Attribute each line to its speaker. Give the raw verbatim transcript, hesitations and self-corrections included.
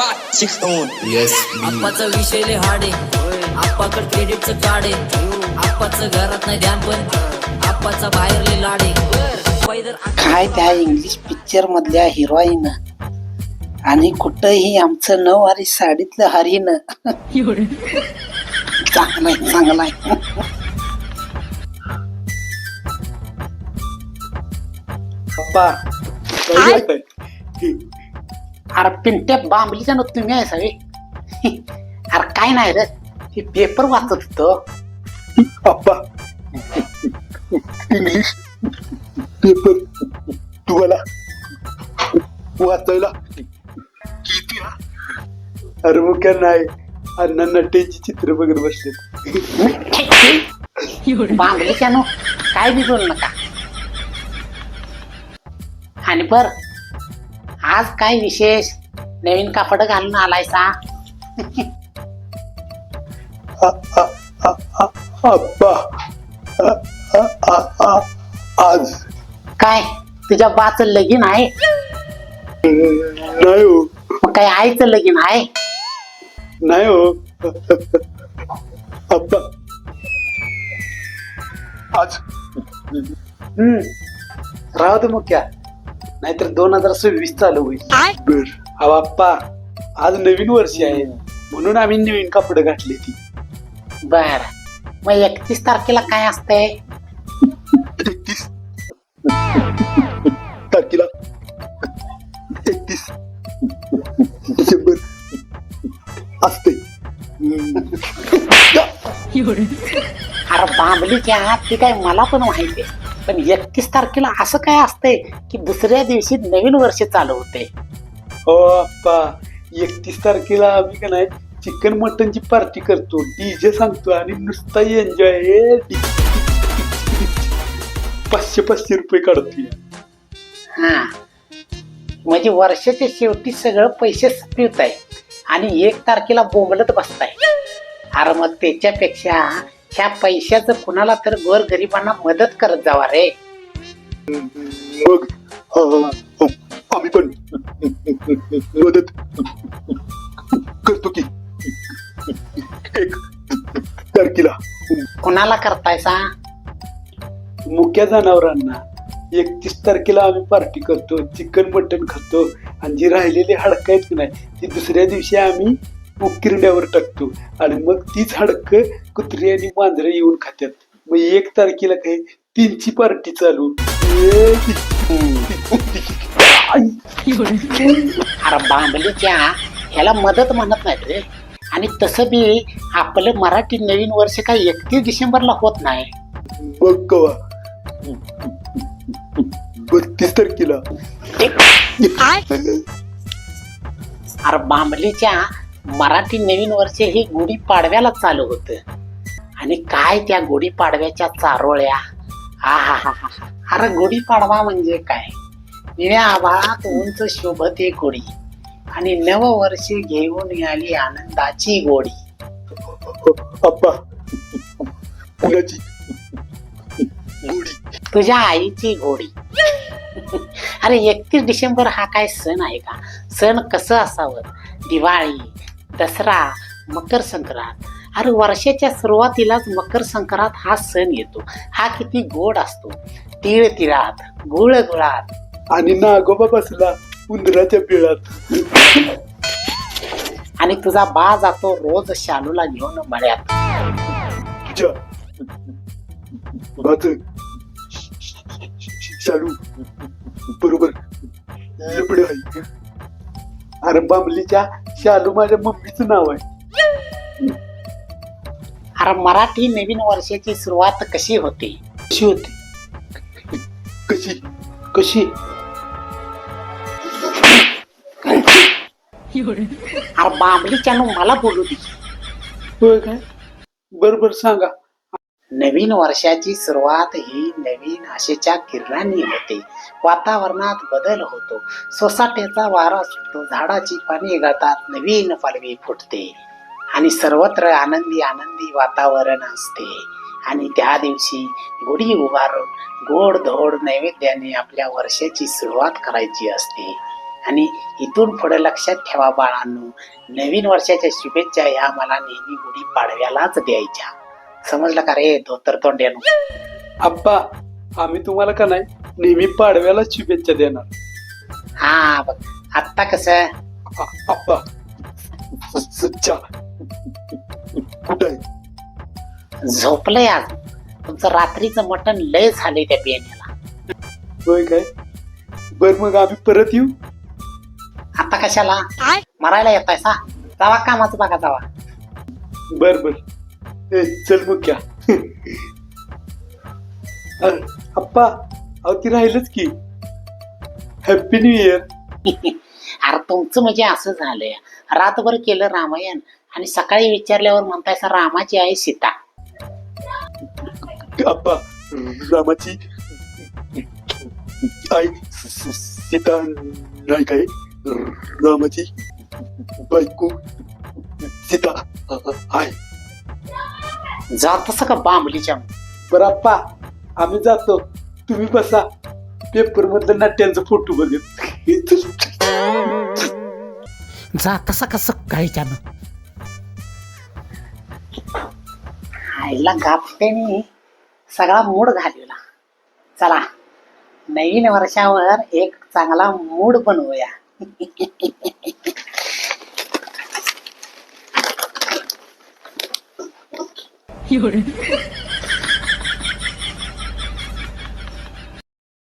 Speaker 1: five, six, seven. Yes.
Speaker 2: आप्पाचा विषय लय हाड आहे, आप्पाकडे क्रेडिटचं कार्ड आहे, आप्पाचं घरात नाही ध्यान पण आप्पाचा बाहेर लय लाड आहे. पैदल
Speaker 3: काय त्या इंग्लिश पिक्चर मधल्या हिरोईन आणि कुठंही आमचं नऊवारी साडीतलं हरीन. चांगलाय चांगलाय.
Speaker 4: पप्पा
Speaker 3: अरे पिंट्या बांबलीच्या ना तुम्ही आहे सगळे. अरे काय नाही रे, हे पेपर वाचत होतो.
Speaker 4: अप्पा इंग्लिश पेपर तुम्हाला वाचायला किती हा? अरे मग काय नाही, अण्णा नटेची चित्र बघत बसले.
Speaker 3: बांबलीच्या नो काय बी बोल नका. आणि बर आज काय विशेष नवीन कापड घालून आलायसा?
Speaker 4: अप्पा आज
Speaker 3: काय तुझ्या बाच लगीन आहे?
Speaker 4: नाही हो,
Speaker 3: मग काय आईचं लगीन आहे?
Speaker 4: नाही हो अप्पा आज
Speaker 3: हम्म राहू दे मग क्या, नाहीतर दोन हजार सव्वीस चालू होईल.
Speaker 4: बर.
Speaker 3: अहो अप्पा, आज नवीन वर्ष आहे म्हणून आम्ही नवीन कपडे घातले ती. बर, मग एकतीस तारखेला काय असतंय?
Speaker 4: एकतीस तारखेला एकतीस डिसेंबर असते.
Speaker 3: अरे बांबलीच्या ती काय मला पण माहिती आहे, पण एकतीस तारखेला असं काय असतंय की दुसऱ्या दिवशी नवीन वर्ष चालू होते?
Speaker 4: हो अप्पा, एकतीस तारखेला आम्ही का नाही चिकन मटनची पार्टी करतो, डीजे सांगतो आणि नुसता एन्जॉय. पाचशे पाचशे रुपये काढतोय.
Speaker 3: हा, म्हणजे वर्षाच्या शेवटी सगळं पैसे पिवत आहे आणि एक तारखेला बोंबलत बसताय. अरे मग त्याच्यापेक्षा ह्या पैशाचं कुणाला तर गोर गरिबांना मदत करत जावा रे.
Speaker 4: मग हा, आम्ही पण मदत करतो की एक तारखेला.
Speaker 3: कुणाला करतायसा?
Speaker 4: मुक्या जनावरांना एकतीस तारखेला आम्ही पार्टी करतो, चिकन मटन खातो आणि जी राहिलेली हाडकं आहेत की नाही ती दुसऱ्या दिवशी आम्ही उकिरड्यावर टाकतो आणि मग तीच हाडकं कुत्री आणि मांजरं येऊन खात्यात. मग एक तारखेला काय तीनची पार्टी चालू.
Speaker 3: अरे बांबलीच्या ह्याला मदत म्हणत नाहीत रे. आणि तसं बी आपलं मराठी नवीन वर्ष काही एकतीस डिसेंबरला होत नाही.
Speaker 4: बघ कवा बत्तीस तारखेला.
Speaker 3: अरे बांबलीच्या मराठी नवीन वर्ष हे गुढी पाडव्याला चालू होत आणि काय त्या गुढी पाडव्याच्या चारोळ्या. हा हा हा हा. अरे गुढी पाडवा म्हणजे काय? निळ्या आभाळात उंच शोभते गुढी आणि नव वर्ष घेऊन आली आनंदाची गोडी.
Speaker 4: अप्पा कुणाची गोडी?
Speaker 3: तुझ्या आईची घोडी. अरे एकतीस डिसेंबर हा काय सण आहे का? सण कसं असावं? दिवाळी, दसरा, मकर संक्रांत. अरे वर्षाच्या सुरुवातीलाच मकर संक्रांत हा सण येतो. हा किती गोड असतो. तिळ तिळात, गुळ गुळात
Speaker 4: आणि नागोबा बसला उंदराच्या बिळात.
Speaker 3: आणि तुझा बा जातो रोज शालूला घेऊन मळ्यात.
Speaker 4: तुझ्या बाच शालू बरोबर लपडे आहे. अरे बांबलीच्या शालू माझ्या मम्मीचं नाव आहे.
Speaker 3: अरे मराठी नवीन वर्षाची सुरुवात कशी होते?
Speaker 4: कशी होती? कशी
Speaker 3: कशी? अरे बांबलीच्या मला बोलू दे.
Speaker 4: होय काय? बरोबर सांगा.
Speaker 3: नवीन वर्षाची सुरुवात ही नवीन आशेच्या किरणांनी होते. वातावरणात बदल होतो, सोसाट्याचा वारा सुटतो, झाडाची पाने गळतात, नवीन पालवी फुटते आणि सर्वत्र आनंदी आनंदी वातावरण असते. आणि त्या दिवशी गुढी उभारून गोड धोड नैवेद्याने आपल्या वर्षाची सुरुवात करायची असते. आणि इथून पुढे लक्षात ठेवा बाळांनो, नवीन वर्षाच्या शुभेच्छा या मला नेहमी गुढी पाडव्यालाच द्यायच्या. समजलं का रे धोतर तोंड्यानो?
Speaker 4: आप्पा, आम्ही तुम्हाला का नाही नेहमी पाडव्याला शुभेच्छा देणार.
Speaker 3: हा बघ आत्ता कसं
Speaker 4: आ- आप्पा, सच्चा कुठं आहे?
Speaker 3: झोपलंय आज. तुमचं रात्रीचं मटण लय झालंय त्या बियाण्याला.
Speaker 4: होय काय? बर मग आम्ही परत येऊ.
Speaker 3: आता कशाला मरायला येताय सा? जावा कामाचं बघा जावा.
Speaker 4: बर बर ए, चल मग क्या. अरे, आप्पा, अहो ती राहिलच की. Happy new year.
Speaker 3: अरे तुमचं म्हणजे असं झालंय, रातभर केलं रामायण आणि सकाळी विचारल्यावर म्हणताय सा रामाची आई सीता.
Speaker 4: आप्पा, रामाची आई सीता नाही काय? रामाची बायको सीता आहे.
Speaker 3: जात तसं का बांबलीच्या.
Speaker 4: बरं आप्पा, आम्ही जातो, तुम्ही बसा. पेपर मधलं नाट्यांचा फोटो बघत.
Speaker 3: जा तसं कसं काहीच्यानं. आईला गापट्याने सगळा मूड घालवला. चला नवीन वर्षावर एक चांगला मूड बनवूया.
Speaker 2: एवढे